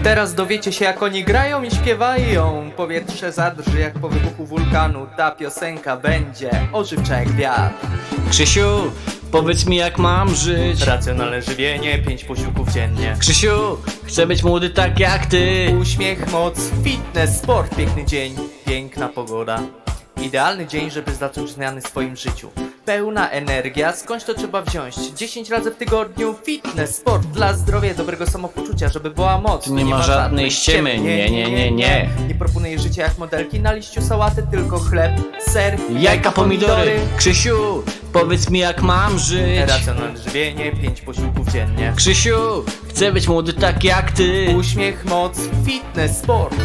Teraz dowiecie się, jak oni grają i śpiewają. Powietrze zadrży jak po wybuchu wulkanu. Ta piosenka będzie ożywcza jak wiatr. Krzysiu, powiedz mi, jak mam żyć. Racjonalne żywienie, 5 posiłków dziennie. Krzysiu, chcę być młody tak jak ty. Uśmiech, moc, fitness, sport, piękny dzień, piękna pogoda. Idealny dzień, żeby zacząć zmiany w swoim życiu. Pełna energia, skądś to trzeba wziąć? 10 razy w tygodniu, fitness, sport dla zdrowia, dobrego samopoczucia, żeby była moc. Tu nie ma żadnej ściemy, nie. Nie proponuję życia jak modelki na liściu sałaty, tylko chleb, ser, Jajka, pomidory. Krzysiu, powiedz mi, jak mam żyć. Racjonalne żywienie, 5 posiłków dziennie. Krzysiu, chcę być młody tak jak ty. Uśmiech, moc, fitness, sport.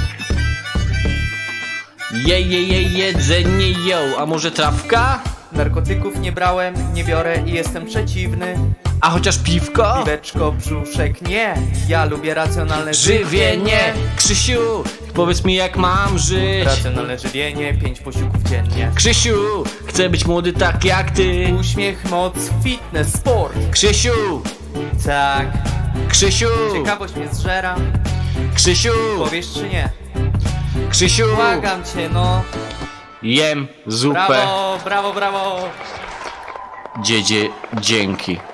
Jedzenie, a może trawka? Narkotyków nie brałem, nie biorę i jestem przeciwny. A chociaż piwko? Piweczko, brzuszek, nie. Ja lubię racjonalne Żywienie. Krzysiu, powiedz mi, jak mam żyć. Racjonalne żywienie, 5 posiłków dziennie. Krzysiu, chcę być młody tak jak ty. Uśmiech, moc, fitness, sport. Krzysiu, Tak. Krzysiu, Ciekawość mnie zżera. Krzysiu, Powiesz czy nie? Krzysiu, Błagam cię, no. jem zupę. Brawo, brawo, brawo. Dzięki.